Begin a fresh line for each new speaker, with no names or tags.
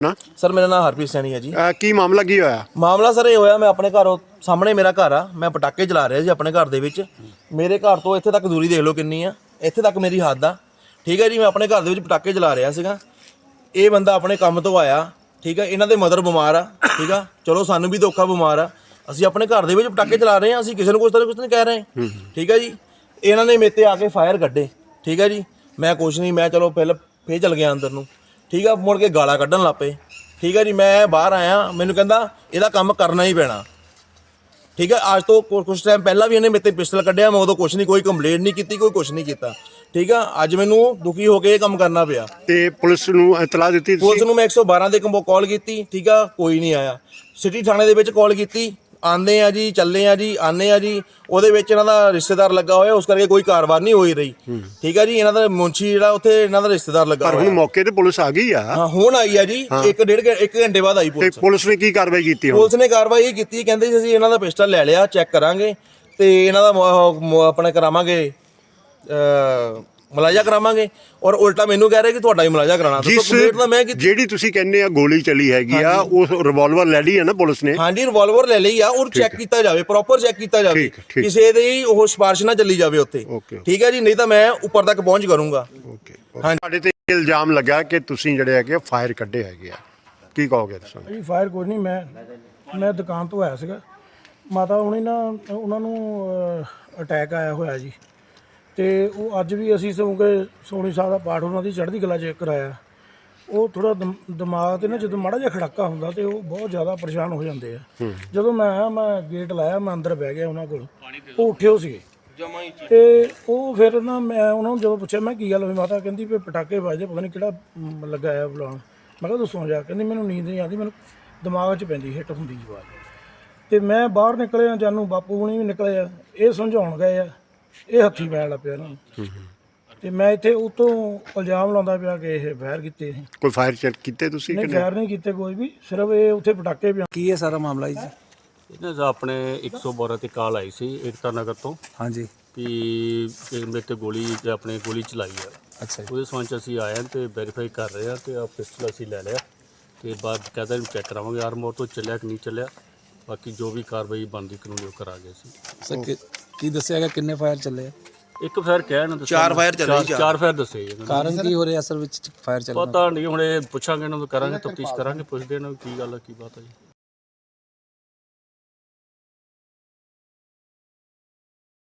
ਨਾ
ਸਰ ਮੇਰਾ ਨਾਮ ਹਰਪ੍ਰੀਤ ਸੈਣੀ ਹੈ ਜੀ।
ਕੀ ਮਾਮਲਾ ਕੀ ਹੋਇਆ?
ਮਾਮਲਾ ਸਰ ਇਹ ਹੋਇਆ, ਮੈਂ ਆਪਣੇ ਘਰੋਂ ਸਾਹਮਣੇ ਮੇਰਾ ਘਰ ਆ, ਮੈਂ ਪਟਾਕੇ ਚਲਾ ਰਿਹਾ ਸੀ ਆਪਣੇ ਘਰ ਦੇ ਵਿੱਚ। ਮੇਰੇ ਘਰ ਤੋਂ ਇੱਥੇ ਤੱਕ ਦੂਰੀ ਦੇਖ ਲਓ ਕਿੰਨੀ ਆ, ਇੱਥੇ ਤੱਕ ਮੇਰੀ ਹੱਦ ਆ। ਠੀਕ ਹੈ ਜੀ, ਮੈਂ ਆਪਣੇ ਘਰ ਦੇ ਵਿੱਚ ਪਟਾਕੇ ਚਲਾ ਰਿਹਾ ਸੀਗਾ। ਇਹ ਬੰਦਾ ਆਪਣੇ ਕੰਮ ਤੋਂ ਆਇਆ, ਠੀਕ ਹੈ, ਇਹਨਾਂ ਦੇ ਮਦਰ ਬਿਮਾਰ ਆ, ਠੀਕ ਆ, ਚਲੋ ਸਾਨੂੰ ਵੀ ਧੋਖਾ ਬਿਮਾਰ ਆ, ਅਸੀਂ ਆਪਣੇ ਘਰ ਦੇ ਵਿੱਚ ਪਟਾਕੇ ਚਲਾ ਰਹੇ ਹਾਂ, ਅਸੀਂ ਕਿਸੇ ਨੂੰ ਕੁਛ ਨਹੀਂ ਕਹਿ ਰਹੇ, ਠੀਕ ਹੈ ਜੀ। ਇਹਨਾਂ ਨੇ ਮੇਰੇ ਤੇ ਆ ਕੇ ਫਾਇਰ ਕੱਢੇ, ਠੀਕ ਹੈ ਜੀ। ਮੈਂ ਕੁਛ ਨਹੀਂ, ਮੈਂ ਚਲੋ ਫੇਰ ਚਲ ਗਿਆ ਅੰਦਰ ਨੂੰ, ਠੀਕ ਆ। ਮੁੜ ਕੇ ਗਾਲਾਂ ਕੱਢਣ ਲੱਗ ਪਏ, ਠੀਕ ਹੈ ਜੀ। ਮੈਂ ਬਾਹਰ ਆਇਆ, ਮੈਨੂੰ ਕਹਿੰਦਾ ਇਹਦਾ ਕੰਮ ਕਰਨਾ ਹੀ ਪੈਣਾ, ਠੀਕ ਹੈ। ਅੱਜ ਤੋਂ ਕੁਛ ਟਾਈਮ ਪਹਿਲਾਂ ਵੀ ਇਹਨੇ ਮੇਰੇ ਤੇ ਪਿਸਟਲ ਕੱਢਿਆ, ਮੈਂ ਉਦੋਂ ਕੁਛ ਨਹੀਂ, ਕੋਈ ਕੰਪਲੇਂਟ ਨਹੀਂ ਕੀਤੀ, ਕੋਈ ਕੁਛ ਨਹੀਂ ਕੀਤਾ, ਠੀਕ ਆ। ਅੱਜ ਮੈਨੂੰ ਦੁਖੀ ਹੋ ਕੇ ਇਹ ਕੰਮ ਕਰਨਾ ਪਿਆ।
ਤੇ ਪੁਲਿਸ ਨੂੰ ਇਤਲਾਹ ਦਿੱਤੀ?
ਪੁਲਿਸ ਨੂੰ ਮੈਂ 112 ਦੇ ਕਾਲ ਕੀਤੀ, ਠੀਕ ਆ, ਕੋਈ ਨਹੀਂ ਆਇਆ। ਸਿਟੀ ਥਾਣੇ ਦੇ ਵਿੱਚ ਕਾਲ ਕੀਤੀ, ਆਉਂਦੇ ਆ ਜੀ, ਚੱਲੇ ਆ ਜੀ, ਆਉਂਦੇ ਆ ਜੀ। ਉਹਦੇ ਵਿੱਚ ਇਹਨਾਂ ਦਾ ਰਿਸ਼ਤੇਦਾਰ ਲੱਗਾ ਹੋਇਆ, ਉਸ ਕਰਕੇ ਕੋਈ ਕਾਰਵਾਈ ਨਹੀਂ ਹੋਈ ਰਹੀ, ਠੀਕ ਆ ਜੀ। ਇਹਨਾਂ ਦਾ ਮੁੰਸ਼ੀ ਜਿਹੜਾ ਉੱਥੇ ਇਹਨਾਂ ਦਾ ਰਿਸ਼ਤੇਦਾਰ ਲੱਗਾ ਹੋਇਆ।
ਪਰ ਹੁਣ ਮੌਕੇ ਤੇ ਪੁਲਿਸ ਆ ਗਈ ਆ?
ਹਾਂ, ਹੁਣ ਆਈ ਆ ਜੀ, 1 ਘੰਟੇ ਬਾਅਦ ਆਈ ਪੁਲਿਸ।
ਪੁਲਿਸ ਨੇ ਕੀ ਕਾਰਵਾਈ ਕੀਤੀ?
ਪੁਲਿਸ ਨੇ ਕਾਰਵਾਈ ਇਹ ਕੀਤੀ, ਕਹਿੰਦੇ ਜੀ ਅਸੀਂ ਇਹਨਾਂ ਦਾ ਪਿਸਟਲ ਲੈ ਲਿਆ, ਚੈੱਕ ਕਰਾਂਗੇ ਤੇ ਇਹਨਾਂ ਦਾ ਆਪਣੇ ਕਰਾਵਾਂਗੇ, ਮੁਲਾਜ਼ਾ ਕਰਾਵਾਂਗੇ। ਔਰ ਉਲਟਾ ਮੈਨੂੰ ਕਹਿ ਰਹੇ ਕਿ ਤੁਹਾਡਾ ਹੀ ਮੁਲਾਜ਼ਾ ਕਰਾਣਾ।
ਜਿਹੜੀ ਤੁਸੀਂ ਕਹਿੰਦੇ ਆ ਗੋਲੀ ਚਲੀ ਹੈਗੀ ਆ, ਉਹ ਰਿਵਾਲਵਰ ਲੈ ਲਈ ਆ ਨਾ ਪੁਲਿਸ ਨੇ?
ਹਾਂਜੀ, ਰਿਵਾਲਵਰ ਲੈ ਲਈ ਆ, ਔਰ ਚੈੱਕ ਕੀਤਾ ਜਾਵੇ, ਪ੍ਰੋਪਰ ਚੈੱਕ ਕੀਤਾ ਜਾਵੇ, ਕਿਸੇ ਦੇ ਉਹ ਸਿਫਾਰਿਸ਼ ਨਾ ਚੱਲੀ ਜਾਵੇ ਉੱਥੇ, ਠੀਕ ਹੈ ਜੀ। ਨਹੀਂ ਤਾਂ ਮੈਂ ਉੱਪਰ ਤੱਕ ਪਹੁੰਚ ਕਰੂੰਗਾ।
ਤੁਹਾਡੇ ਤੇ ਇਲਜ਼ਾਮ ਲੱਗਾ ਕਿ ਤੁਸੀਂ ਜਿਹੜੇ ਹੈਗੇ ਫਾਇਰ ਕੱਢੇ ਹੈਗੇ ਆ, ਕੀ ਕਹੋਗੇ ਤੁਸੀਂ?
ਜੀ ਫਾਇਰ ਕੋਈ ਨਹੀਂ, ਮੈਂ ਦੁਕਾਨ ਤੋਂ ਆਇਆ ਸੀਗਾ। ਮਾਤਾ ਹੁਣੀ ਨਾ ਉਹਨਾਂ ਨੂੰ ਅਟੈਕ ਆਇਆ ਹੋਇਆ ਜੀ, ਤੇ ਉਹ ਅੱਜ ਵੀ ਅਸੀਂ ਸੋਣੀ ਸਾਹਿਬ ਦਾ ਪਾਠ ਉਹਨਾਂ ਦੀ ਚੜ੍ਹਦੀ ਕਲਾ 'ਚ ਕਰਾਇਆ। ਉਹ ਥੋੜਾ ਦਿਮਾਗ ਤੇ ਨਾ ਜਦੋਂ ਮਾੜਾ ਜਿਹਾ ਖੜਾਕਾ ਹੁੰਦਾ ਤੇ ਉਹ ਬਹੁਤ ਜ਼ਿਆਦਾ ਪਰੇਸ਼ਾਨ ਹੋ ਜਾਂਦੇ ਆ। ਜਦੋਂ ਮੈਂ ਆਇਆ, ਮੈਂ ਗੇਟ ਲਾਇਆ, ਮੈਂ ਅੰਦਰ ਬਹਿ ਗਿਆ ਉਹਨਾਂ ਕੋਲ, ਉਹ ਉੱਠੇ ਹੋ ਸੀਗੇ। ਤੇ ਉਹ ਫਿਰ ਨਾ ਮੈਂ ਉਹਨਾਂ ਨੂੰ ਜਦੋਂ ਪੁੱਛਿਆ ਮੈਂ ਕੀ ਗੱਲ ਹੋਈ, ਮਾਤਾ ਕਹਿੰਦੀ ਵੀ ਪਟਾਕੇ ਵੱਜਦੇ, ਪਤਾ ਨਹੀਂ ਕਿਹੜਾ ਲੱਗਾ ਆ ਬੁਲਾਉਣ। ਮੈਂ ਕਿਹਾ ਦੱਸੋ ਜਾ, ਕਹਿੰਦੀ ਮੈਨੂੰ ਨੀਂਦ ਨਹੀਂ ਆਉਂਦੀ, ਮੈਨੂੰ ਦਿਮਾਗ 'ਚ ਪੈਂਦੀ, ਹਿੱਟ ਹੁੰਦੀ ਜੀ ਆਵਾਜ਼। ਤੇ ਮੈਂ ਬਾਹਰ ਨਿਕਲਿਆ, ਜਾਨੂੰ ਬਾਪੂ ਹੁਣੀ ਵੀ ਨਿਕਲੇ ਆ, ਇਹ ਸਮਝਾਉਣ ਗਏ ਆ, ਇਹ ਹੱਥੀ ਪੈਣ ਲੱਗ ਪਿਆ ਇਹਨਾਂ ਨੂੰ। ਤੇ ਮੈਂ ਇੱਥੇ ਉਤੋਂ ਇਲਜ਼ਾਮ ਲਾਉਂਦਾ ਪਿਆ ਕਿ ਇਹ ਫਾਇਰ ਕੀਤੇ।
ਕੋਈ ਫਾਇਰ ਚੈੱਕ ਕੀਤੇ ਤੁਸੀਂ?
ਨਹੀਂ, ਫਾਇਰ ਨਹੀਂ ਕੀਤੇ ਕੋਈ ਵੀ, ਸਿਰਫ ਇਹ ਉੱਥੇ ਪਟਾਕੇ ਪਿਆ।
ਕੀ ਹੈ ਸਾਰਾ ਮਾਮਲਾ ਜੀ?
ਇਹਨਾਂ ਦਾ ਆਪਣੇ 112 ਤੇ ਕਾਲ ਆਈ ਸੀ ਏਕਤਾ ਨਗਰ ਤੋਂ,
ਹਾਂਜੀ,
ਕਿ ਮੇਰੇ ਤੇ ਗੋਲੀ ਚਲਾਈ ਆ।
ਅੱਛਾ ਜੀ।
ਉਹਦੇ ਸੰਬੰਧ 'ਚ ਅਸੀਂ ਆਏ ਹਾਂ ਤੇ ਵੈਰੀਫਾਈ ਕਰ ਰਹੇ ਹਾਂ, ਤੇ ਆ ਪਿਸਟਲ ਅਸੀਂ ਲੈ ਲਿਆ ਤੇ ਬਾਅਦ ਕਹਿੰਦਾ ਇਹਨੂੰ ਚੈੱਕ ਕਰਾਵਾਂਗੇ ਆਰਮੋਰ ਤੋਂ ਚੱਲਿਆ ਕਿ ਨਹੀਂ ਚੱਲਿਆ। ਬਾਕੀ ਜੋ ਵੀ ਕਾਰਵਾਈ ਬਣਦੀ ਕਾਨੂੰਨੀ ਉਹ ਕਰਾਂਗੇ ਅਸੀਂ।
ਸਰ ਕੀ ਦੱਸਿਆ ਗਿਆ, ਕਿੰਨੇ ਫਾਇਰ ਚੱਲੇ ਆ?
ਇੱਕ ਫਾਇਰ ਕਹਿ ਨਾ ਦੱਸਿਆ,
4 ਫਾਇਰ ਚੱਲੇ,
4 ਫਾਇਰ ਦੱਸੇ ਜੀ।
ਕਾਰਨ ਕੀ ਹੋ ਰਿਹਾ ਅਸਲ ਵਿੱਚ ਫਾਇਰ ਚੱਲਣ ਦਾ?
ਪਤਾ ਨਹੀਂ, ਹੁਣ ਇਹ ਪੁੱਛਾਂਗੇ ਇਹਨਾਂ ਨੂੰ, ਕਰਾਂਗੇ ਤਫਤੀਸ਼ ਕਰਾਂਗੇ, ਪੁੱਛਦੇ ਇਹਨਾਂ ਨੂੰ ਕੀ ਗੱਲ ਹੈ, ਕੀ ਬਾਤ ਹੈ ਜੀ।